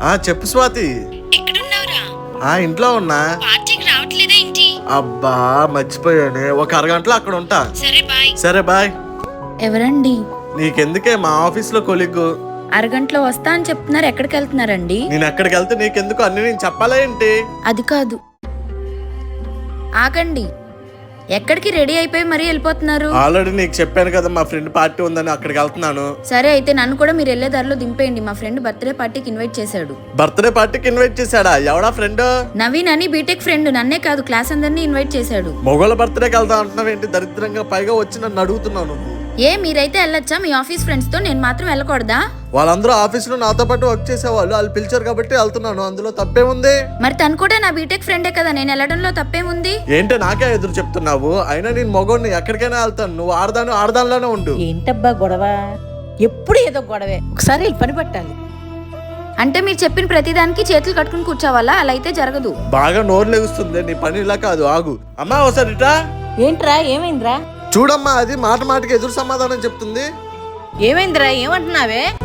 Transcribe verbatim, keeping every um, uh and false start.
ఆ చెప్పు స్వాతి. ఎక్కడున్నావురా? ఆ ఇంట్లో ఉన్నా. పార్టీకి రావట్లేదా ఏంటి? అబ్బా మర్చిపోయానే, ఒక అరగంటలో అక్కడ ఉంటా. సరే బాయ్. సరే బాయ్. ఎవరండి? నీకెందుకే, మా ఆఫీస్ లో కొలిగ్గు. అరగంటలో వస్తా అని చెప్తున్నారు, ఎక్కడికి వెళ్తున్నారండి? నేను ఎక్కడికి వెళ్తే నీకెందుకు, అన్ని నేను చెప్పాలా ఏంటి? అది కాదు, ఆగండి. ఎక్కడికి రెడీ అయిపోయి మరీ వెళ్ళిపోతున్నారు? ఆల్రెడీ నీకు చెప్పాను కదా, మా ఫ్రెండ్ పార్టీ ఉందని అక్కడికి వెళ్తున్నాను. సరే అయితే నన్ను కూడా మీరు వెళ్ళే దారిలో దింపేయండి. మా ఫ్రెండ్ బర్త్డే పార్టీకి ఇన్వైట్ చేశాడు. బర్త్డే పార్టీకి ఇన్వైట్ చేశాడా? ఎవడా ఫ్రెండ్? నవీన్ అని బీటెక్ ఫ్రెండ్. నన్నే కాదు, క్లాస్ అందరినీ ఇన్వైట్ చేశాడు. మొగోళ్ళ బర్త్డేకి వెళ్తా అంటున్నావు ఏంటి దరిద్రంగా? పైగా వచ్చి నన్ను అడుగుతున్నావు నువ్వు. ఏ మీరైతే వెళ్ళొచ్చా మీ ఆఫీస్ ఫ్రెండ్స్ తో, నేను మాత్రం వెళ్ళకూడదా? వాళ్ళందరూ ఆఫీస్ లో నాతో పాటు వర్క్ చేసేవాళ్ళు, వాళ్ళు పిలిచారు కాబట్టి వెళ్తున్నాను. అందులో తప్పేముంది? మరి తను కూడా నా బీటెక్ ఫ్రెండే కదా, నేను వెళ్ళడంలో తప్పేముంది? ఏంటి నాకే ఎదురు చెప్తున్నావు? అయినా నేను మొగోడిని, ఎక్కడికైనా వెళ్తాను. నువ్వు ఆడదాను ఆడదానిలోనే ఉండు. ఏంటబ్బా గొడవ? ఎప్పుడు ఏదో గొడవే. ఒకసారి వెళ్ళి పని పట్టాలి. అంటే మీరు చెప్పిన ప్రతిదానికి చేతులు కట్టుకుని కూర్చోవాలా? అలా అయితే జరగదు. బాగా నోరు లెగుస్తుంది, నీ పని ఇలా కాదు. ఆగు అమ్మా, ఒకసారి ఇటా ఏంట్రా? ఏమైందిరా? చూడమ్మా, అది మాట మాటకి ఎదురు సమాధానం చెప్తుంది. ఏమైందిరా? ఏమంటున్నావే?